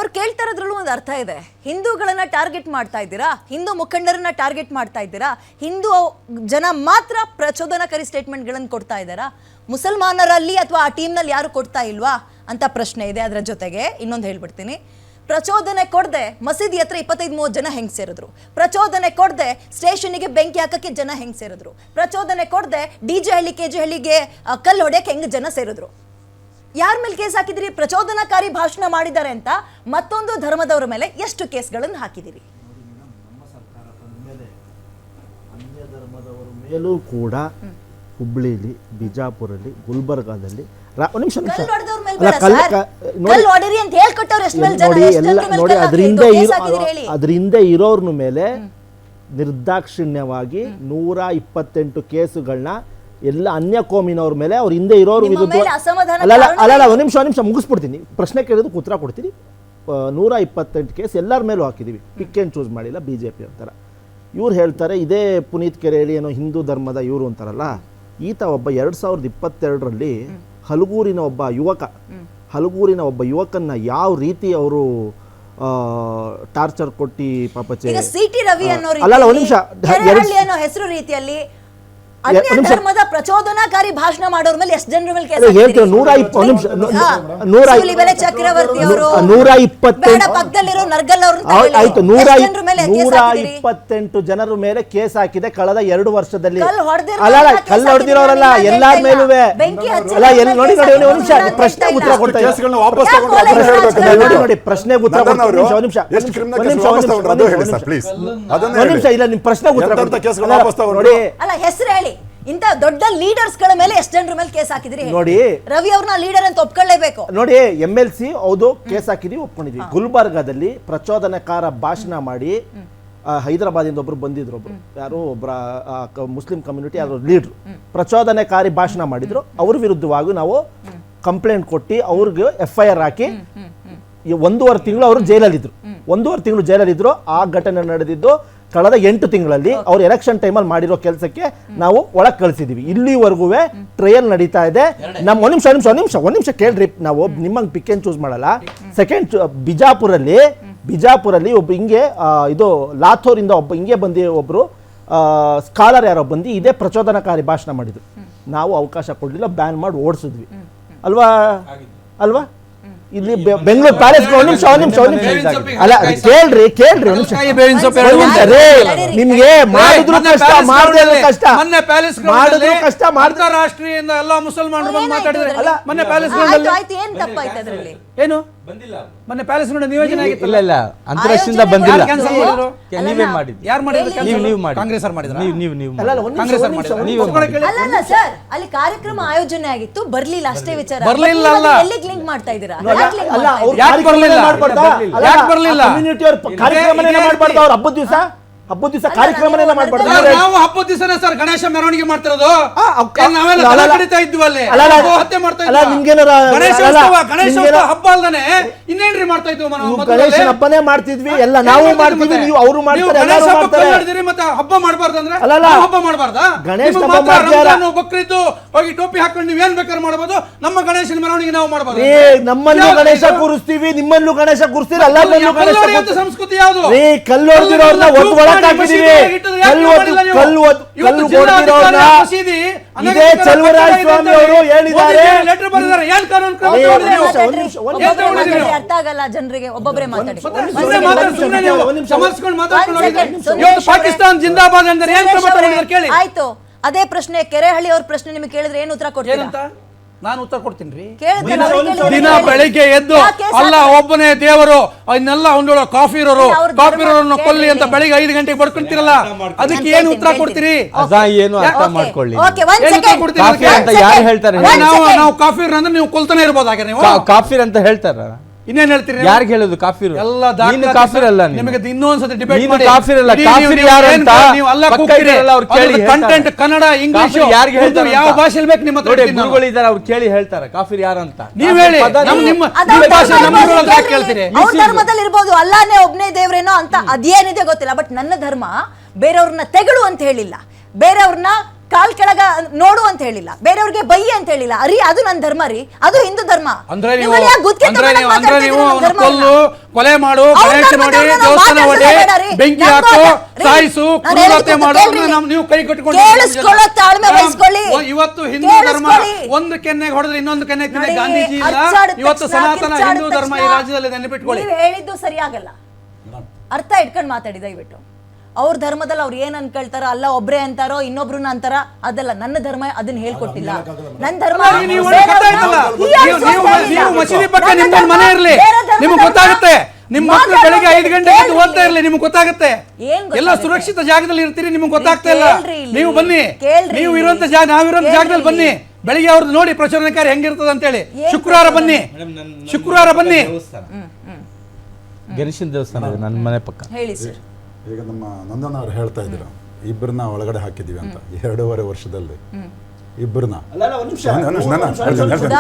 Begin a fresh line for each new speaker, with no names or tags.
ಅವ್ರು ಕೇಳ್ತಾ ಇರೋದ್ರಲ್ಲೂ ಒಂದು ಅರ್ಥ ಇದೆ. ಹಿಂದೂಗಳನ್ನ ಟಾರ್ಗೆಟ್ ಮಾಡ್ತಾ ಇದ್ದೀರಾ, ಹಿಂದೂ ಮುಖಂಡರನ್ನ ಟಾರ್ಗೆಟ್ ಮಾಡ್ತಾ ಇದ್ದೀರಾ, ಹಿಂದೂ ಜನ ಮಾತ್ರ ಪ್ರಚೋದನಕಾರಿ ಸ್ಟೇಟ್ಮೆಂಟ್ಗಳನ್ನು ಕೊಡ್ತಾ ಇದ್ದಾರಾ, ಮುಸಲ್ಮಾನರಲ್ಲಿ ಅಥವಾ ಆ ಟೀಮ್ನಲ್ಲಿ ಯಾರು ಕೊಡ್ತಾ ಇಲ್ವಾ ಅಂತ ಪ್ರಶ್ನೆ ಇದೆ. ಅದರ ಜೊತೆಗೆ ಇನ್ನೊಂದು ಹೇಳ್ಬಿಡ್ತೀನಿ, ಪ್ರಚೋದನೆ ಕೊಡದೆ ಮಸೀದಿ ಹತ್ರ 25-30 ಜನ ಹೆಂಗ್ ಸೇರಿದ್ರು, ಪ್ರಚೋದನೆ ಕೊಡದೆ ಸ್ಟೇಷನ್ಗೆ ಬೆಂಕಿ ಹಾಕಕ್ಕೆ ಜನ ಹೆಂಗ್ ಸೇರಿದ್ರು, ಪ್ರಚೋದನೆ ಕೊಡದೆ DJ ಹಳ್ಳಿ KG ಹಳ್ಳಿಗೆ ಕಲ್ಲು ಹೊಡೆಯಕ್ಕೆ ಹೆಂಗ್ ಜನ ಸೇರಿದ್ರು, ಯಾರ ಮೇಲೆ ಕೇಸ್ ಹಾಕಿದಿರಿ? ಪ್ರಚೋದನಕಾರಿ ಭಾಷಣ ಮಾಡಿದ್ದಾರೆ ಅಂತ ಮತ್ತೊಂದು ಧರ್ಮದವರ ಮೇಲೆ ಎಷ್ಟು ಕೇಸ್ಗಳನ್ನು ಹಾಕಿದಿರಿ?
ನಮ್ಮ ಸರ್ಕಾರ ಬಂದ ಮೇಲೆ ಅನ್ಯ ಧರ್ಮದವರ ಮೇಲೂ ಕೂಡ ಹುಬ್ಳಿಲಿ, ಬಿಜಾಪುರಲ್ಲಿ, ಗುಲ್ಬರ್ಗಾದಲ್ಲಿ ಅದರಿಂದ ಇರೋರ್ನ ಮೇಲೆ ನಿರ್ದಾಕ್ಷಿಣ್ಯವಾಗಿ 128 ಕೇಸುಗಳನ್ನ ಎಲ್ಲ ಅನ್ಯ ಕೋಮಿನವ್ರ ಮೇಲೆ ಅವ್ರ ಹಿಂದೆ ಇರೋರು ವಿರುದ್ಧ ಅಲ್ಲ ಒಂದು ನಿಮಿಷ ಮುಗಿಸ್ಬಿಡ್ತೀನಿ. ಪ್ರಶ್ನೆ ಕೇಳಿದಕ್ಕೆ ಉತ್ತರ ಕೊಡ್ತೀನಿ. 128 ಕೇಸ್ ಎಲ್ಲರ ಮೇಲೂ ಹಾಕಿದೀವಿ, ಪಿಕ್ ಆ್ಯಂಡ್ ಚೂಸ್ ಮಾಡಿಲ್ಲ BJP ಅಂತಾರ. ಇವ್ರು ಹೇಳ್ತಾರೆ ಇದೇ ಪುನೀತ್ ಕೆರೆಹಳ್ಳಿ ಏನೋ ಹಿಂದೂ ಧರ್ಮದ ಇವರು ಅಂತಾರಲ್ಲ, ಈತ ಒಬ್ಬ 2022ರಲ್ಲಿ ಹಲಗೂರಿನ ಒಬ್ಬ ಯುವಕನ್ನ ಯಾವ ರೀತಿ ಅವರು ಟಾರ್ಚರ್ ಕೊಟ್ಟಿ ಪಾಪಚೆ ಅಲ್ಲ ಒಂದು ನಿಮಿಷ
ಹೆಸರು ರೀತಿಯಲ್ಲಿ ಧರ್ಮದ ಪ್ರಚೋದನಾಕಾರಿ ಭಾಷಣ ಮಾಡೋರ ಮೇಲೆ ಎಷ್ಟು ಜನರ ಮೇಲೆ ಕೇಸ್
ಹೇಳ್ತೀವಿ. 120
ಚಕ್ರವರ್ತಿ ಅವರು ಪಕ್ಕದಲ್ಲಿರೋ ನರ್ಗಲ್ ಅವರು
ಆಯ್ತು 128 ಜನರ ಮೇಲೆ ಕೇಸ್ ಹಾಕಿದೆ ಕಳೆದ 2 ವರ್ಷದಲ್ಲಿ. ಅಲ್ಲ ಕಲ್ಲು ಹೊಡೆದಿರೋರಲ್ಲ ಎಲ್ಲಾರ ಮೇಲೂ ಅಲ್ಲ ಎಲ್ಲಿ ನೋಡಿ ಒಂದು ನಿಮಿಷ ಪ್ರಶ್ನೆ ಉತ್ತರ ಕೊಡ್ತಾ ನೋಡಿ ಪ್ರಶ್ನೆಗೆ ಉತ್ತರ ಒಂದು ನಿಮಿಷ ಇಲ್ಲ ನಿಮ್ ಪ್ರಶ್ನೆ ಉತ್ತರ ನೋಡಿ.
ಅಲ್ಲ ಹೆಸರು ಹೇಳಿ, ಇಂತ ದೊಡ್ಡ ಲೀಡರ್ಸ್ ಗಳ ಮೇಲೆ ಎಷ್ಟು ಜನರ ಮೇಲೆ ಕೇಸ್ ಹಾಕಿದ್ರಿ
ನೋಡಿ.
ರವಿ ಅವ್ರನ್ನ ಲೀಡರ್ ಅಂತ ಒಪ್ಕೊಳ್ಳೇಬೇಕು ನೋಡಿ.
MLC ಹೌದು ಕೇಸ್ ಹಾಕಿದ್ವಿ, ಒಪ್ಕೊಂಡಿದ್ವಿ. ಗುಲ್ಬರ್ಗಾದಲ್ಲಿ ಪ್ರಚೋದನಕಾರ ಭಾಷಣ ಮಾಡಿ ಹೈದರಾಬಾದಿಂದ ಒಬ್ರು ಬಂದಿದ್ರು, ಯಾರು ಒಬ್ಬರ ಮುಸ್ಲಿಂ ಕಮ್ಯುನಿಟಿ ಯಾರು ಲೀಡ್ರು ಪ್ರಚೋದನಕಾರಿ ಭಾಷಣ ಮಾಡಿದ್ರು. ಅವ್ರ ವಿರುದ್ಧವಾಗಿ ನಾವು ಕಂಪ್ಲೇಂಟ್ ಕೊಟ್ಟು ಅವ್ರಿಗೆ FIR ಹಾಕಿ 1.5 ತಿಂಗಳು ಅವರು ಜೈಲಲ್ಲಿದ್ರು. 1.5 ತಿಂಗಳು ಜೈಲಲ್ಲಿದ್ರು. ಆ ಘಟನೆ ನಡೆದಿದ್ದು ಕಳೆದ 8 ತಿಂಗಳಲ್ಲಿ ಅವ್ರು ಎಲೆಕ್ಷನ್ ಟೈಮಲ್ಲಿ ಮಾಡಿರೋ ಕೆಲಸಕ್ಕೆ ನಾವು ಒಳಗೆ ಕಳಿಸಿದೀವಿ. ಇಲ್ಲಿವರೆಗೂ ಟ್ರಯಲ್ ನಡೀತಾ ಇದೆ. ನಮ್ಮ ಒಂದು ನಿಮಿಷ ಕೇಳ್ರಿ, ನಾವು ನಿಮ್ಮಂಗೆ ಪಿಕ್ ಆ್ಯಂಡ್ ಚೂಸ್ ಮಾಡಲ್ಲ. ಸೆಕೆಂಡ್ ಬಿಜಾಪುರಲ್ಲಿ ಒಬ್ಬ ಹಿಂಗೆ ಇದು ಲಾಥೋರಿಂದ ಒಬ್ಬ ಹಿಂಗೆ ಬಂದು ಒಬ್ರು ಸ್ಕಾಲರ್ ಯಾರೋ ಬಂದು ಇದೇ ಪ್ರಚೋದನಕಾರಿ ಭಾಷಣ ಮಾಡಿದ್ರು. ನಾವು ಅವಕಾಶ ಕೊಡ್ಲಿಲ್ಲ, ಬ್ಯಾನ್ ಮಾಡಿ ಓಡಿಸಿದ್ವಿ ಅಲ್ವಾ ಇಲ್ಲಿ ಬೆಂಗಳೂರು ಪ್ಯಾಲೇಸ್ ಅಲ್ಲ ಕೇಳ್ರಿ ನಿಮ್ಗೆ ಮಾಡಿದ್ರು ಕಷ್ಟ ಮಾಡಿದ್ರು ಕಷ್ಟ ಮಾಡಿದ್ರು ಕಷ್ಟ
ರಾಷ್ಟ್ರೀಯದಿಂದ ಎಲ್ಲ ಮುಸಲ್ಮಾನರು ಬಂದು ಮಾತಾಡಿದ್ರೆ ಮೊನ್ನೆ ಪ್ಯಾಲೇಸ್ ಏನು ಮೊನ್ನೆ ಪ್ಯಾಲೇಸ್ ನಿಯೋಜನೆ ಆಗಿತ್ತು.
ಇಲ್ಲ ಅಂತರಾಷ್ಟ್ರೀಯದಿಂದ ಬಂದಿಲ್ಲ, ನೀವೇ ಮಾಡಿದ್ರಿ.
ಯಾರು ಮಾಡಿದ್ರು?
ನೀವು ಮಾಡಿ,
ಕಾಂಗ್ರೆಸ್ ಅವರು ಮಾಡಿದ್ರು.
ಅಲ್ಲ ಸರ್, ಅಲ್ಲಿ ಕಾರ್ಯಕ್ರಮ ಆಯೋಜನೆ ಆಗಿತ್ತು, ಬರ್ಲಿಲ್ಲ ಅಷ್ಟೇ ವಿಚಾರ.
ಬರ್ಲಿಲ್ಲ ಅಲ್ಲ,
ಎಲ್ಲಿಗೆ ಲಿಂಕ್ ಮಾಡ್ತಾ ಇದ್ದೀರಾ?
ಯಾಕೆ ಬರ್ಲಿಲ್ಲ?
ಕಾರ್ಯಕ್ರಮನೇ ಮಾಡಬಾರ್ದು ಅವ್ರ ಹಬ್ಬದ ದಿವಸ ಕಾರ್ಯಕ್ರಮನೇ ಮಾಡಬಾರ್ದು.
ನಾವು ಹಬ್ಬದ ದಿವಸನೇ ಸರ್ ಗಣೇಶ ಮೆರವಣಿಗೆ ಮಾಡ್ತಿರೋದು. ನಾವೆಲ್ಲ ಕಡಿತಾ ಇದ್ವಿ ಅಲ್ಲಿ, ಹತ್ಯೆ ಮಾಡ್ತಾ ಇದ್ವಿ. ಗಣೇಶ ಹಬ್ಬ ಅಲ್ದಾನೆ ಇನ್ನೇನ್ರಿ ಮಾಡ್ತಾ ಇದ್ವಿ?
ಗಣೇಶನ ಹಬ್ಬನೇ ಮಾಡ್ತಿದ್ವಿ, ಎಲ್ಲ ನಾವು ಮಾಡ್ತಿದ್ವಿ, ನೀವು ಅವರು ಮಾಡ್ತಾರೆ.
ಮತ್ತೆ ಹಬ್ಬ ಮಾಡಬಾರ್ದು ಅಂದ್ರೆ ಹಬ್ಬ ಮಾಡಬಾರ್ದಾ?
ಗಣೇಶ
ಬಕ್ರೀದ್ ಹೋಗಿ ಟೋಪಿ ಹಾಕೊಂಡು ನೀವ್ ಏನ್ ಬೇಕಾದ್ರೆ ಮಾಡಬಹುದು, ನಮ್ಮ ಗಣೇಶನ ಮೆರವಣಿಗೆ ನಾವು ಮಾಡಬಾರ್ದು.
ನಮ್ಮಲ್ಲೂ ಗಣೇಶ ಕೂರಿಸ್ತೀವಿ, ನಿಮ್ಮಲ್ಲೂ ಗಣೇಶ ಕೂರಿಸ್ತೀವಿ. ಎಲ್ಲ
ಸಂಸ್ಕೃತಿ ಯಾವುದು?
ಕಲ್ಲು ಹೊಡೆದಿರೋರ್ನ ಇದೇ ಚಲುವರಾಯ ಸ್ವಾಮಿ ಅವರು ಹೇಳಿದ್ದಾರೆ.
ಅರ್ಥ ಆಗಲ್ಲ ಜನರಿಗೆ, ಒಬ್ಬೊಬ್ಬರೇ ಮಾತಾಡಿ.
ಪಾಕಿಸ್ತಾನ ಜಿಂದಾಬಾದ್ ಅಂದ್ರೆ ಏನ್ ಕ್ರಮ ತಗೊಂಡಿದ್ದಾರೆ ಕೇಳಿ.
ಆಯ್ತು, ಅದೇ ಪ್ರಶ್ನೆ ಕೆರೆಹಳ್ಳಿ ಅವ್ರ ಪ್ರಶ್ನೆ ನಿಮಗೆ ಕೇಳಿದ್ರೆ ಏನು ಉತ್ತರ ಕೊಡ್ತೀರಾ?
ನಾನು ಉತ್ತರ ಕೊಡ್ತೀನಿ. ದಿನ ಬೆಳಿಗ್ಗೆ ಎದ್ದು ಅಲ್ಲ ಒಬ್ಬನೇ ದೇವರು, ಇನ್ನೆಲ್ಲ ಒಂದೊಳ ಕಾಫಿ ಇರೋರನ್ನು ಕೊಲ್ಲಿ ಅಂತ ಬೆಳಿಗ್ಗೆ 5 ಗಂಟೆಗೆ ಬಡ್ಕೊಂತೀರಲ್ಲ, ಅದಕ್ಕೆ ಏನು ಉತ್ತರ ಕೊಡ್ತೀರಿ?
ಏನು ಅರ್ಥ ಮಾಡ್ಕೊಳ್ಳಿ.
ಯಾರು ಹೇಳ್ತಾರೆ ನಾವು ಕಾಫಿರ್ ಅಂದ್ರೆ ನೀವು ಕೊಲ್ತಾನೆ ಇರ್ಬೋದು. ಹಾಗೆ ನೀವು
ಕಾಫಿರ್ ಅಂತ ಹೇಳ್ತಾರ,
ಇನ್ನೇನ್ ಹೇಳ್ತೀರಿ?
ಯಾರಿಗೆ ಹೇಳೋದು ಕಾಫಿರ್?
ಎಲ್ಲ
ಕಾಫಿರ್ ಅಲ್ಲ,
ನಿಮಗೆ ಇನ್ನೊಂದ್ಸತಿ ಡಿಬೇಟ್ ಮಾಡಿ.
ಕಾಫಿರ್ ಅಲ್ಲ, ಕಾಫಿರ್ ಯಾರು ಅಂತ
ನೀವು ಅಲ್ಲ ಅವ್ರು ಕೇಳಿ. ಕಂಟೆಂಟ್ ಕನ್ನಡ, ಇಂಗ್ಲಿಷ್
ಯಾರಿಗೆ ಹೇಳ್ತಾರೆ?
ಯಾವ ಭಾಷೆಯಲ್ಲಿ ಬೇಕು ನಿಮ್ಮ ಹತ್ರ?
ಗುರುಗಳು ಇದ್ದಾರೆ, ಅವ್ರು ಕೇಳಿ ಹೇಳ್ತಾರೆ ಕಾಫಿರ್ ಯಾರು ಅಂತ.
ನೀವ್ ಹೇಳಿ, ನಿಮ್ಮ ಭಾಷೆ ನಮ್ಮ ಕೇಳ್ತೀರಿ.
ಅವ್ರ ಧರ್ಮದಲ್ಲಿ ಇರ್ಬೋದು, ಅಲ್ಲಾನೇ ಒಬ್ನೇ ದೇವ್ರೇನೋ ಅಂತ ಅದೇನಿದೆ ಗೊತ್ತಿಲ್ಲ. ಬಟ್ ನನ್ನ ಧರ್ಮ ಬೇರೆಯವ್ರನ್ನ ತೆಗಳು ಅಂತ ಹೇಳಿಲ್ಲ, ಬೇರೆಯವ್ರನ್ನ ಕಾಲ್ ಕೆಳಗ ನೋಡು ಅಂತ ಹೇಳಿಲ್ಲ, ಬೇರೆಯವ್ರಿಗೆ ಬೈ ಅಂತ ಹೇಳಿಲ್ಲ. ಅದು ನನ್ನ ಧರ್ಮ ರೀ, ಅದು ಹಿಂದೂ ಧರ್ಮ.
ಅಂದ್ರೆ ನೀವು ಕೊಲ್ಲು ಕೊಲೆ ಮಾಡು,
ಅವ್ರ
ಗಣೇಶ ನೋಡಿ,
ಧರ್ಮದವ್ರನ್ನ
ದೇವಸ್ಥಾನ ಹೊಡೆ,
ಮಾತಾಡ್ಸೋದೇ ಬೇಡ ರೀ.
ಬೆಂಕಿ
ನಮ್ಮ
ಹಾಕು,
ರೀ,
ಸಾಯಿಸು,
ನಾನು
ಕ್ರೂರತೆ
ಹೇಳ್ತೀನಿ
ಮಾಡು,
ಕೇಳ್ರಿ.
ನೀವು ಕೈ ಕಟ್ಟಿಕೊಂಡು
ಕೇಳಿಸ್ಕೊಳ್ಳೋ ತಾಳ್ಮೆ ವಹಿಸ್ಕೊಳ್ಳಿ.
ಇವತ್ತು ಹಿಂದೂ ಧರ್ಮ
ಕೇಳಿಸ್ಕೊಳ್ಳಿ.
ಒಂದು ಕೆನ್ನೆಗೆ ಹೊಡೆದ್ರೆ ಇನ್ನೊಂದು ಕೆನ್ನೆ ತಿಂದ
ನೋಡಿ,
ಗಾಂಧೀಜಿ ಇಲ್ಲ.
ಅಚ್ಚಾಡಿದ
ಇವತ್ತು
ತಕ್ಷಣ,
ಸನಾತನ
ಕಿರ್ಚಾಡಿದ
ಹಿಂದೂ ಧರ್ಮ ಈ
ತಕ್ಷಣ
ರಾಜ್ಯದಲ್ಲಿ ನೆನಪಿಟ್ಕೊಳ್ಳಿ.
ನೀವು ಹೇಳಿದ್ದು ಸರಿಯಾಗಲ್ಲ. ಅರ್ಥ ಇಟ್ಕೊಂಡು ಮಾತಾಡಿ ದಯವಿಟ್ಟು. ಅವ್ರ ಧರ್ಮದಲ್ಲಿ ಅವ್ರು ಏನ್ ಅನ್ಕೊಳ್ತಾರೋ, ಅಲ್ಲ ಒಬ್ರೇ ಅಂತಾರೋ ಇನ್ನೊಬ್ರನ್ನ ಅಂತಾರ, ಅದಲ್ಲ. ನನ್ನ ಧರ್ಮ ಅದನ್ನ ಹೇಳ್ಕೊಟ್ಟಿಲ್ಲ. ನನ್ನ ಧರ್ಮ
ನೀವು
ಬೇರೆಯವ್ರನ್ನ-
ನೀವು ಮಸೀದಿ ಪಕ್ಕ ನಿಮ್ದೊಂದು ಮನೆ ಇರ್ಲಿ, ನಿಮ್ಗೆ ಗೊತ್ತಾಗುತ್ತೆ. ನಿಮ್ಮ ಮಕ್ಕಳು ಬೆಳಿಗ್ಗೆ 5 ಗಂಟೆಗೆ ಎದ್ದು ಓದ್ತಾ ಇರ್ಲಿ, ನಿಮ್ಗೆ ಗೊತ್ತಾಗುತ್ತೆ.
ಏನ್ ಗೊತ್ತಾಗುತ್ತೆ?
ಎಲ್ಲ ಸುರಕ್ಷಿತ ಜಾಗದಲ್ಲಿ ಇರ್ತೀರಿ, ನಿಮ್ಗೆ ಗೊತ್ತಾಗ್ತಾ ಇಲ್ಲ.
ಕೇಳ್ರಿ ಇಲ್ಲಿ.
ನೀವು ಬನ್ನಿ,
ಕೇಳ್ರಿ
ನೀವು
ಇಲ್ಲಿ.
ಇರುವಂತ ಜಾಗ, ನಾವಿರುವಂತ
ಕೇಳ್ರಿ
ಜಾಗದಲ್ಲಿ ಬನ್ನಿ. ಬೆಳಿಗ್ಗೆ ಅವ್ರದ್ದು ನೋಡಿ ಪ್ರಚೋದನಕಾರಿ ಹೆಂಗಿರ್ತದ ಅಂತೇಳಿ. ಶುಕ್ರವಾರ ಬನ್ನಿ, ಶುಕ್ರವಾರ ಬನ್ನಿ.
ಗಣೇಶನ ದೇವಸ್ಥಾನ ಇದೆ ನನ್ನ ಮನೆ ಪಕ್ಕ.
ಹೇಳಿ ಸರ್.
ಈಗ ನಮ್ಮ ನಂದನ್ ಅವ್ರು ಹೇಳ್ತಾ ಇದ್ರು ಇಬ್ಬರನ್ನ ಒಳಗಡೆ ಹಾಕಿದೀವಿ ಅಂತ 2.5 ವರ್ಷದಲ್ಲಿ ಇಬ್ಬರನ್ನ
ಅಲ್ಲ, ಒಂದ್ ನಿಮಿಷ.